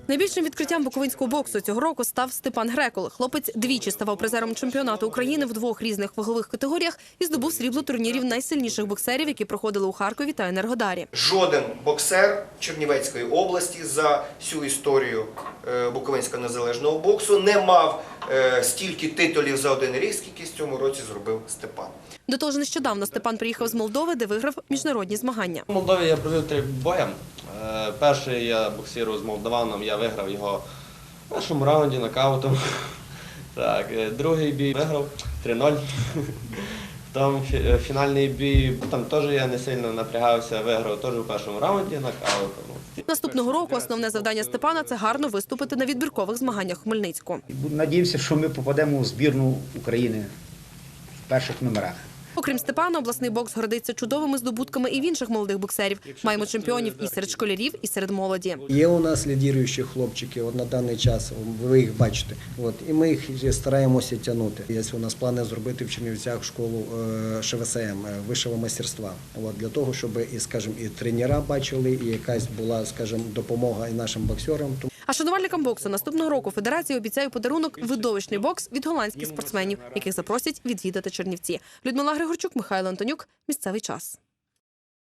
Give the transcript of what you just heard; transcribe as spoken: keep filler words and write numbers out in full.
Найбільшим відкриттям буковинського боксу цього року став Степан Грекол. Хлопець двічі ставав призером чемпіонату України в двох різних вагових категоріях і здобув срібло турнірів найсильніших боксерів, які проходили у Харкові та Енергодарі. Жоден боксер Чернівецької області за всю історію буковинського незалежного боксу не мав стільки титулів за один рік, скільки в цьому році зробив Степан. До того ж, нещодавно Степан приїхав з Молдови, де виграв міжнародні змагання. У Молдові я провів три бої. Перший я боксував з молдаваном, я виграв його в першому раунді нокаутом. Так, другий бій виграв три ноль. Там фінальний бій, там теж я не сильно напрягався, виграв теж у першому раунді нокаутом. Наступного року основне завдання Степана – це гарно виступити на відбіркових змаганнях у Хмельницьку. Надіємося, що ми попадемо у збірну України в перших номерах. Окрім Степана, обласний бокс гордиться чудовими здобутками і в інших молодих боксерів. Маємо чемпіонів і серед школярів, і серед молоді. Є у нас лідіруючі хлопчики от на даний час, ви їх бачите. От, і ми їх стараємося тягнути. Є у нас плани зробити в Чернівцях школу Ш В С М, вищого майстерства. От, для того, щоб і, скажімо, і тренера бачили, і якась була, скажімо, допомога і нашим боксерам. А шанувальникам боксу наступного року федерація обіцяє подарунок – видовищний бокс від голландських спортсменів, яких запросять відвідати Чернівці. Людмила Григорчук, Михайло Антонюк. Місцевий час.